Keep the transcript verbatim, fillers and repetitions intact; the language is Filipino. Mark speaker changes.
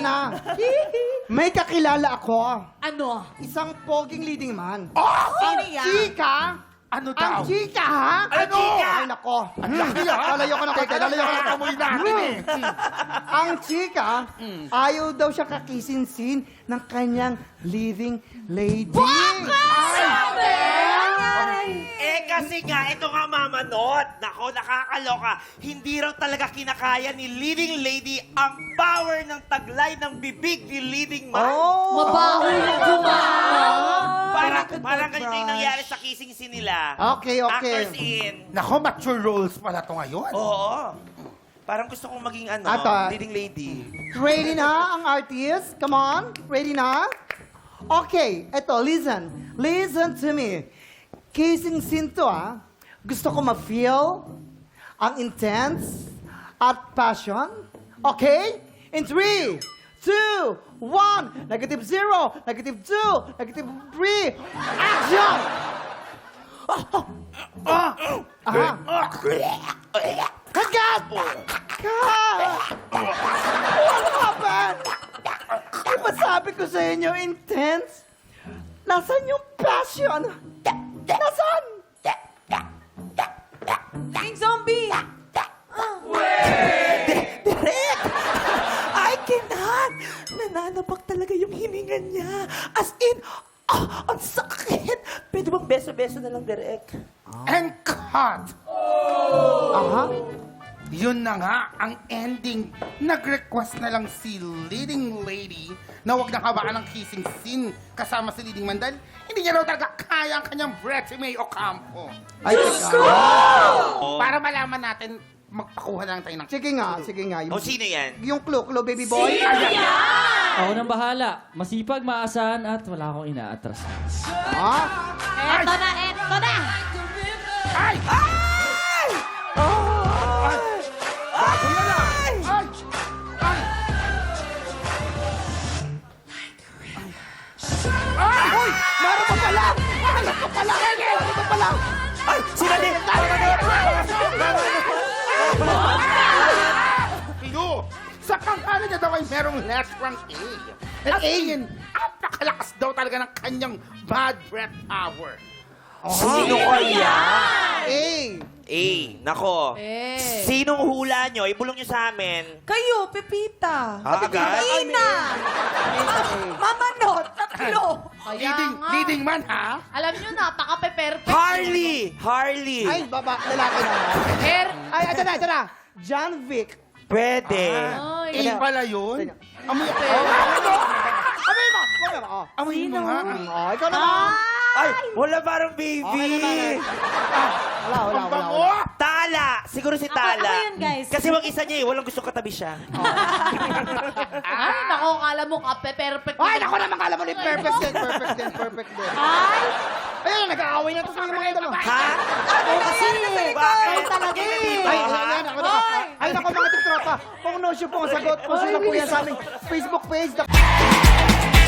Speaker 1: na. May kakilala ako.
Speaker 2: Ano?
Speaker 1: Isang poging leading man.
Speaker 2: Sino
Speaker 1: Ang
Speaker 2: yan?
Speaker 1: chika.
Speaker 3: Ano
Speaker 1: Ang
Speaker 3: daw?
Speaker 1: chika, ha?
Speaker 3: Ano?
Speaker 1: Ay, nako. Lalayo ko na konti. Lalayo ko na konti.
Speaker 3: Amoy natin eh.
Speaker 1: Ang chika, ayaw daw siya kakisinsin ng kanyang leading lady.
Speaker 4: Eh kasi nga, ito nga mamanot. Nako, nakakaloka. Hindi raw talaga kinakaya ni leading lady ang power ng taglay ng bibig ni leading man.
Speaker 1: Oh!
Speaker 2: Mabaho yung gumana.
Speaker 4: Parang, parang ganito yung nangyari sa kissing scene nila.
Speaker 1: Okay, okay.
Speaker 4: Actors in.
Speaker 3: Nako, mature roles pala to ngayon.
Speaker 4: Oo. Parang gusto kong maging ano,
Speaker 1: Ata.
Speaker 4: leading lady.
Speaker 1: Ready na ang artist? Come on. Ready na? Okay, eto, listen. Listen to me. Kissing scene to, ah. Gusto ko ma-feel ang intense at passion. Okay? In three, two, one. Negative zero, negative two, negative three. Action! Aha. Kagat! Kat! What happened? Di ba sabi ko sa inyo, intense? Nasaan yung passion? Nasaan?
Speaker 2: King Zombie!
Speaker 4: Direk! I cannot! Nananabak talaga yung hininga niya. As in, ah, ang sakit! Pwede bang beso-beso na lang, Direk?
Speaker 3: And cut!
Speaker 1: Aha.
Speaker 3: Yun na nga, ang ending. Nag-request na lang si leading lady na huwag na habaan ng kissing scene kasama si leading man dahil hindi niya raw talaga kaya ang kanyang Bretty May Ocampo.
Speaker 1: Ay, teka.
Speaker 3: Para malaman natin, magpakuha na lang tayo ng...
Speaker 1: Sige nga, sige nga.
Speaker 4: O,
Speaker 1: Yung,
Speaker 4: sino yan?
Speaker 1: yung clue, clue, baby boy.
Speaker 5: Ako nang bahala. Masipag, maasahan at wala akong inaatras.
Speaker 1: Ha?
Speaker 2: Eto na, eto na!
Speaker 3: Ay!
Speaker 4: Ay!
Speaker 3: Bago na lang! Ay! Ay! Ay!
Speaker 1: Uy! Meron pa pala! Meron pa pala! Meron pa pala!
Speaker 4: Ay! Sila din!
Speaker 3: Iyo! Sa pangalan niya daw ay merong letrang A. At A yun, napakalakas daw talaga ng kanyang bad breath power.
Speaker 4: Sino kaya?
Speaker 1: Eh!
Speaker 4: Eh, nako.
Speaker 2: Eh.
Speaker 4: Sinong hula nyo? Ibulong nyo sa amin.
Speaker 2: Kayo, Pepita.
Speaker 4: Ah, agad?
Speaker 2: Ina! Mamanot, tatlo.
Speaker 3: Leading, leading man, ha?
Speaker 2: Alam nyo, napaka-perfect.
Speaker 4: Harley! Harley!
Speaker 1: Ay, baba, lalaki na.
Speaker 2: Hair.
Speaker 1: Ay, ito na, ito na. John Vic.
Speaker 4: Pwede.
Speaker 2: Ay.
Speaker 3: A pala yun? Amoy,
Speaker 1: Oh, ano? Amoy mo! Amoy mo! Oh.
Speaker 3: amoy mo nga.
Speaker 1: Oh, ikaw naman.
Speaker 4: Ay, wala parang baby.
Speaker 1: Okay naman. Ah, wala, wala,
Speaker 3: Ang
Speaker 1: wala.
Speaker 3: bango!
Speaker 1: wala.
Speaker 4: Tala! Siguro si Tala.
Speaker 2: ako yun, guys.
Speaker 4: Kasi mag-isa niya eh. Walang gusto katabi siya.
Speaker 2: Ay, nako, kala mo ka-perfect.
Speaker 1: Ay, naku naman, kala mo ni perfect din, perfect din, perfect din.
Speaker 2: Ay!
Speaker 1: Ayun, nag-aaway na to sa mga idol.
Speaker 4: Ha?
Speaker 2: Ako kasi!
Speaker 4: Bakit?
Speaker 2: Talaga eh.
Speaker 1: Ay, ayan, ako na. Ay, naku, mga tiktropa. Kung no show po ang sagot, kung sino po yan sa aming Facebook page.